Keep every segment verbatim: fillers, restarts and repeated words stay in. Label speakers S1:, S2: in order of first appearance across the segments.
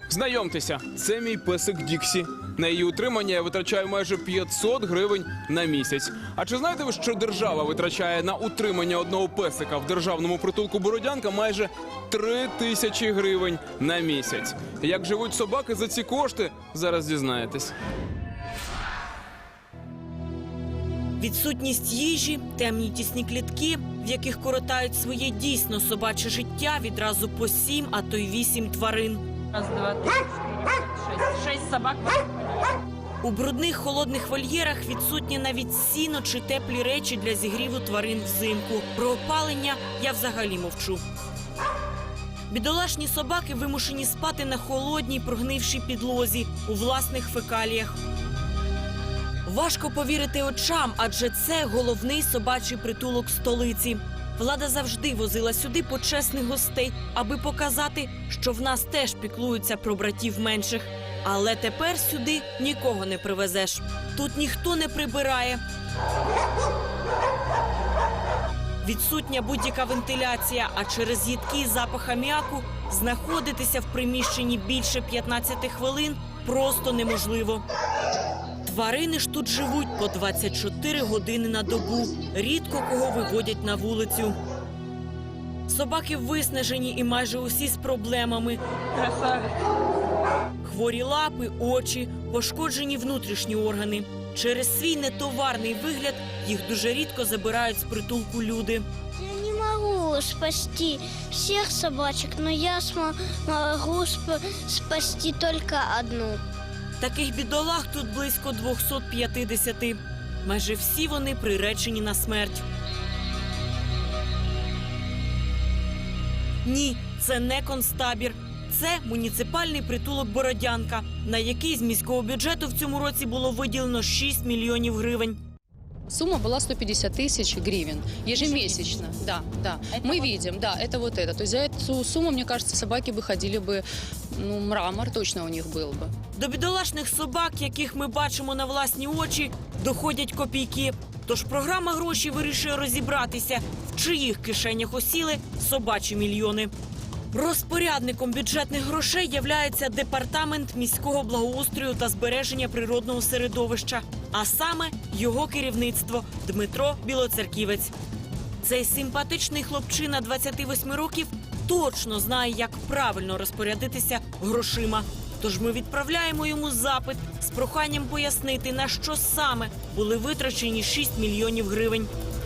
S1: Знайомтеся, це мій песик Діксі. На її утримання я витрачаю майже п'ятсот гривень на місяць. А чи знаєте ви, що держава витрачає на утримання одного песика в державному притулку Бородянка майже три тисячі гривень на місяць? Як живуть собаки за ці кошти, зараз дізнаєтесь.
S2: Відсутність їжі, темні тісні клітки, в яких коротають своє дійсно собаче життя відразу по сім, а то й вісім тварин.
S3: Раз, два, три, четыре, пять, шесть. Шесть собак.
S2: У брудних холодних вольєрах відсутні навіть сіно чи теплі речі для зігріву тварин взимку. Про опалення я взагалі мовчу. Бідолашні собаки вимушені спати на холодній, прогнившій підлозі у власних фекаліях. Важко повірити очам, адже це головний собачий притулок столиці. Влада завжди возила сюди почесних гостей, аби показати, що в нас теж піклуються про братів менших. Але тепер сюди нікого не привезеш. Тут ніхто не прибирає. Відсутня будь-яка вентиляція, а через їдкий запах аміаку знаходитися в приміщенні більше п'ятнадцяти хвилин просто неможливо. Тварини ж тут живуть по двадцять чотири години на добу. Рідко кого виводять на вулицю. Собаки виснажені і майже усі з проблемами.
S3: Красавец.
S2: Хворі лапи, очі, пошкоджені внутрішні органи. Через свій нетоварний вигляд їх дуже рідко забирають з притулку люди.
S4: Я не могу спасти всех собачек, но я могу спасти только одну.
S2: Таких бідолах тут близько двохсот п'ятдесят. Майже всі вони приречені на смерть. Ні, це не концтабір. Це муніципальний притулок Бородянка, на який з міського бюджету в цьому році було виділено шість мільйонів гривень.
S5: Сумма была сто пятьдесят тысяч гривен ежемесячно. Да, да. Мы видим, да, это вот это. То есть за эту сумму, мне кажется, собаки бы ходили бы, ну, мрамор точно у них был бы.
S2: До бідолашних собак, яких ми бачимо на власні очі, доходять копійки. Тож програма «Гроші» вирішує розібратися, в чиїх кишенях осіли собачі мільйони. Розпорядником бюджетних грошей являється Департамент міського благоустрою та збереження природного середовища, а саме його керівництво Дмитро Білоцерківець. Цей симпатичний хлопчина двадцяти восьми років точно знає, як правильно розпорядитися грошима. Тож ми відправляємо йому запит з проханням пояснити, на що саме були витрачені шість мільйонів гривень.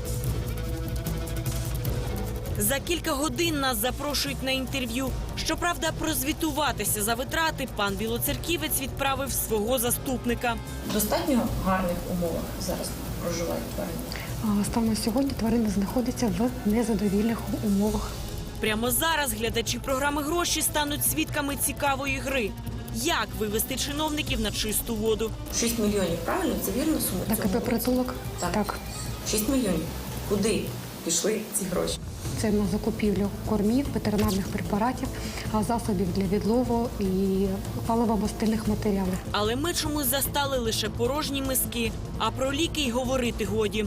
S2: За кілька годин нас запрошують на інтерв'ю. Щоправда, прозвітуватися за витрати пан Білоцерківець відправив свого заступника.
S6: В достатньо гарних умовах зараз проживають тварини?
S7: Станом на сьогодні тварини знаходяться в незадовільних умовах.
S2: Прямо зараз глядачі програми «Гроші» стануть свідками цікавої гри. Як вивести чиновників на чисту воду?
S6: шість мільйонів, правильно? Це вірна сума?
S7: На КП «Притулок»?
S6: Так.
S7: Так.
S6: шість мільйонів. Куди пішли ці гроші?
S7: Це на закупівлю кормів, ветеринарних препаратів, засобів для відлову і паливо-мастильних матеріалів.
S2: Але ми чомусь застали лише порожні миски, а про ліки й говорити годі.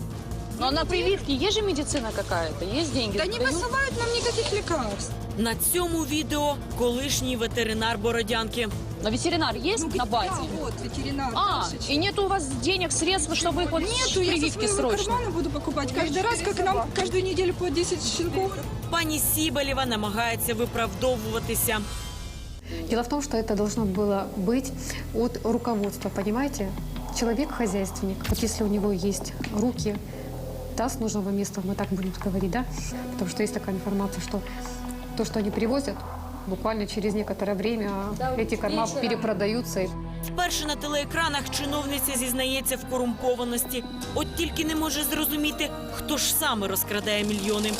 S5: Но на прививке есть же медицина какая-то, есть деньги?
S8: Да не посылают нам никаких лекарств.
S2: На цьому відео колишній ветеринар Бородянки.
S5: Но ветеринар есть
S8: Ну,
S5: на базе?
S8: да, вот, ветеринар.
S5: А,
S8: Дашечка.
S5: и нет у вас денег, средств, чтобы их вот
S8: Нету, я со
S5: прививки
S8: своего
S5: срочно?
S8: кармана буду покупать каждый раз, как нам каждую неделю по десять щенков.
S2: Пані Сібалєва намагається виправдовуватися.
S7: Дело в том, что это должно было быть от руководства, понимаете? Человек хозяйственник. Вот если у него есть руки, да, с нужного места, мы так будем говорить, да? Потому что есть такая информация, что то, что они привозят, буквально через некоторое время эти корма перепродаются.
S2: Вперше на телеекранах чиновниця зізнається в корумпованості. От тільки не може зрозуміти, хто ж саме розкрадає мільйони.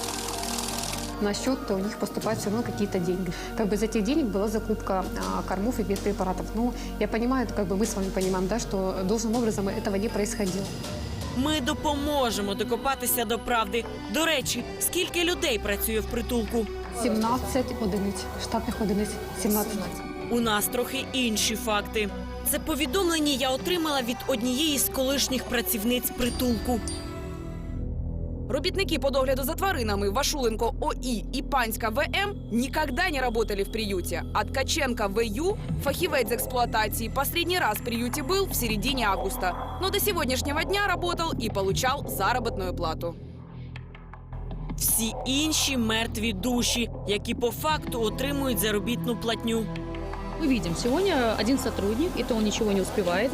S7: На счет у них поступают все равно какие-то деньги. Как бы из этих денег была закупка а, кормов и медпрепаратов. Ну, я понимаю, как бы мы с вами понимаем, да, что должным образом этого не происходило.
S2: Ми допоможемо докопатися до правди. До речі, скільки людей працює в притулку?
S7: сімнадцять одиниць, штатних одиниць, сімнадцять.
S2: У нас трохи інші факти. Це повідомлення я отримала від однієї з колишніх працівниць притулку.
S9: Робітники по догляду за тваринами Вашуленко ОИ и Панська ВМ никогда не работали в приюте. А Ткаченко ВЮ, фахивец эксплуатации, последний раз в приюте был в середине августа. Но до сегодняшнего дня работал и получал заработную плату.
S2: Всі інші мертві душі, які по факту отримують заробітну платню.
S5: Мы видим, сегодня один сотрудник, и то он ничего не успевает.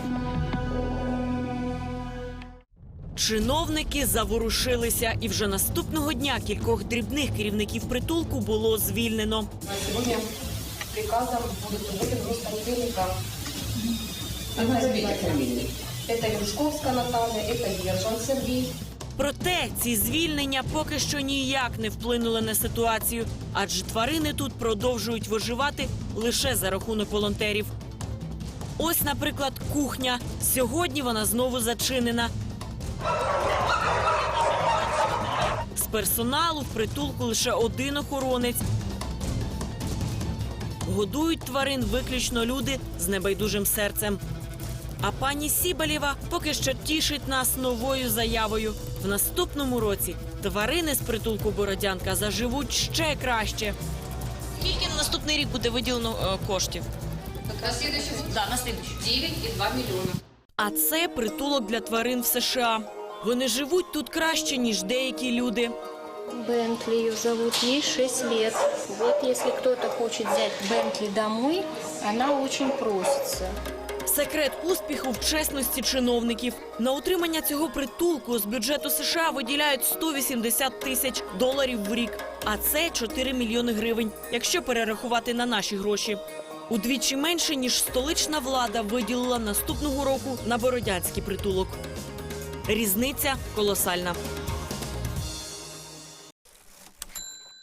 S2: Чиновники заворушилися, і вже наступного дня кількох дрібних керівників притулку було звільнено.
S6: Сегодня приказом будет уволен Роспонтельника. Одна из этих фамилий. Это Юшковская Наталья, это Ержан Сергей.
S2: Проте ці звільнення поки що ніяк не вплинули на ситуацію, адже тварини тут продовжують виживати лише за рахунок волонтерів. Ось, наприклад, кухня. Сьогодні вона знову зачинена. З персоналу в притулку лише один охоронець. Годують тварин виключно люди з небайдужим серцем. А пані Сібалєва поки що тішить нас новою заявою. В наступному році тварини з притулку Бородянка заживуть ще краще. Скільки на наступний рік буде виділено е, коштів?
S5: На следующий год?
S2: Да, на слідуючий.
S5: девять и два миллиона.
S2: А це притулок для тварин в США. Вони живуть тут краще, ніж деякі люди.
S10: Бентли ее зовут, ей шесть лет. Вот если кто-то хочет взять Бентли домой, она очень просится.
S2: Секрет успіху в чесності чиновників. На утримання цього притулку з бюджету США виділяють сто вісімдесят тисяч доларів в рік. А це чотири мільйони гривень, якщо перерахувати на наші гроші. Удвічі менше, ніж столична влада виділила наступного року на Бородянський притулок. Різниця колосальна.